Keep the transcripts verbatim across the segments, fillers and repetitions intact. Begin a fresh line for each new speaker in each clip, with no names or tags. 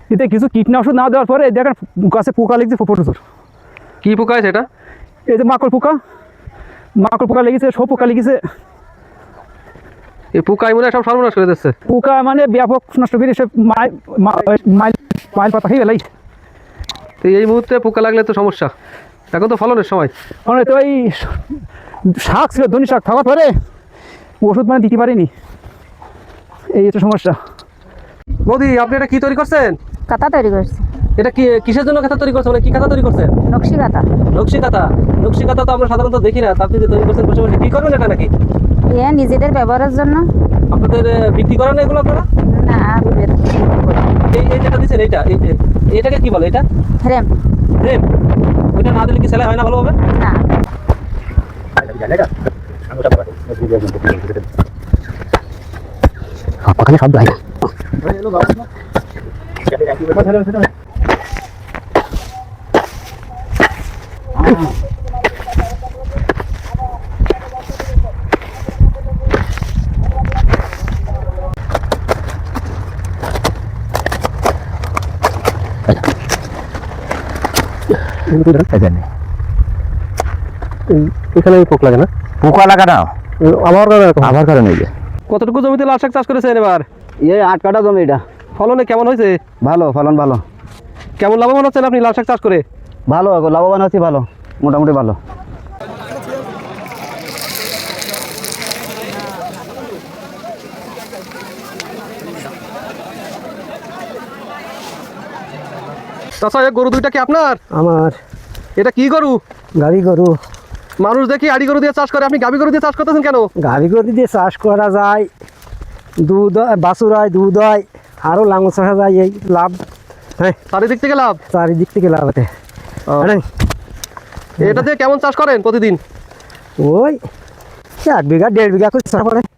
এতে কিছু কীটনাশক না দেওয়ার পরে দেখেন গাছে পোকা লেগেছে প্রচুর।
কি পোকা আছে এটা?
এই যে মাকড় পোকা, মাকড় পোকা লেগেছে, সব পোকা লেগেছে।
এই পোকাই মনে হয় সব সর্বনাশ করে দিচ্ছে।
পোকা মানে ব্যাপক নষ্ট করে সব মাইল মাইল পাতা খেয়ে গেলাই।
তো এই মুহূর্তে পোকা লাগলে তো সমস্যা, এখন তো ফলনের সময়।
মানে তো এই শাক ছিল, ধনী শাক থাকার পরে ওষুধ মানে দিতে পারিনি, এই একটা সমস্যা।
বৌদি, আপনি এটা কি তৈরি করছেন?
কাঁথা তৈরি করছি।
এটা কি কিসের জন্য কাঁথা তৈরি করছেন, মানে কি কাঁথা তৈরি করছেন?
নকশি কাঁথা।
নকশি কাঁথা। নকশি কাঁথা তো আমরা সাধারণত দেখি না, আপনি যে তৈরি করছেন বসে বসে, কি করবেন এটা নাকি?
এ নিজেদের ব্যবহারের জন্য।
আপনাদের বিক্রি করেন না এগুলো আপনারা?
না, আমি বিক্রি করি।
এই এই যেটা দিচ্ছেন এইটা, এই যে এটাকে কি বলে? এটা
ফ্রেম।
ফ্রেম। ওইটা না দিলে কি সেলাই হয় না ভালোভাবে?
না।
ওখানে শব্দ হয় না।
এখানে পোক লাগে না?
পোকা লাগা না,
আমার
আবার কারণে
কতটুকু জমিতে লাল শাক চাষ করেছেন এবার?
এই আট কাটা জমি এটা।
ফলনে কেমন হয়েছে?
ভালো, ফলন ভালো।
কেমন লাভবান হচ্ছেন আপনি লাল শাক চাষ করে?
ভালো, লাভবান আছি, ভালো, মোটামুটি ভালো।
চাচা, এই গরু দুইটা কি আপনার?
আমার।
এটা কি গরু?
গাভী গরু।
মানুষ দেখি আড়ি গরু দিয়ে চাষ করে, আপনি গাভী গরু দিয়ে চাষ করতেছেন কেন?
গাভী গরু দিয়ে চাষ করা যায়, দুধ বাছুর হয়, দুধ হয়, আরও লাঙল চাষা যায়, এই লাভ। হ্যাঁ,
চারিদিক থেকে লাভ।
চারিদিক থেকে লাভ আছে।
এটা দিয়ে কেমন চাষ করেন প্রতিদিন?
ওই এক বিঘা দেড় বিঘা করে চাষ করে।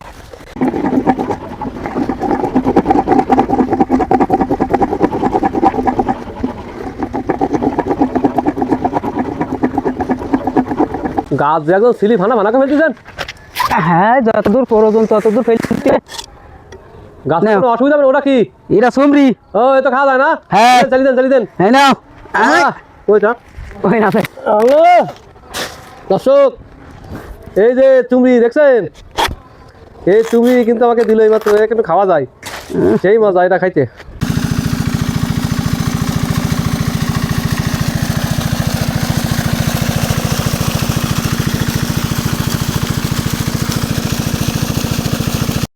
গাছ যে একদম সিলি ভানা ভানা করে ফেলতেছেন।
হ্যাঁ, যতদূর প্রয়োজন ততদূর ফেলতে।
গাছ কোনো অসুবিধা হবে না? ওটা কি?
এরা সুমরি।
ও, এ তো খাওয়া যায় না?
হ্যাঁ।
চালিয়ে দেন, চালিয়ে দেন।
হ্যাঁ, নাও।
ওইটা
ওই না ভাই।
দর্শক, এই যে চুমড়ি দেখছেন, এই চুমড়ি কিন্তু আমাকে দিল এইমাত্র, একটু খাওয়া যায়, সেই মজা এটা খাইতে।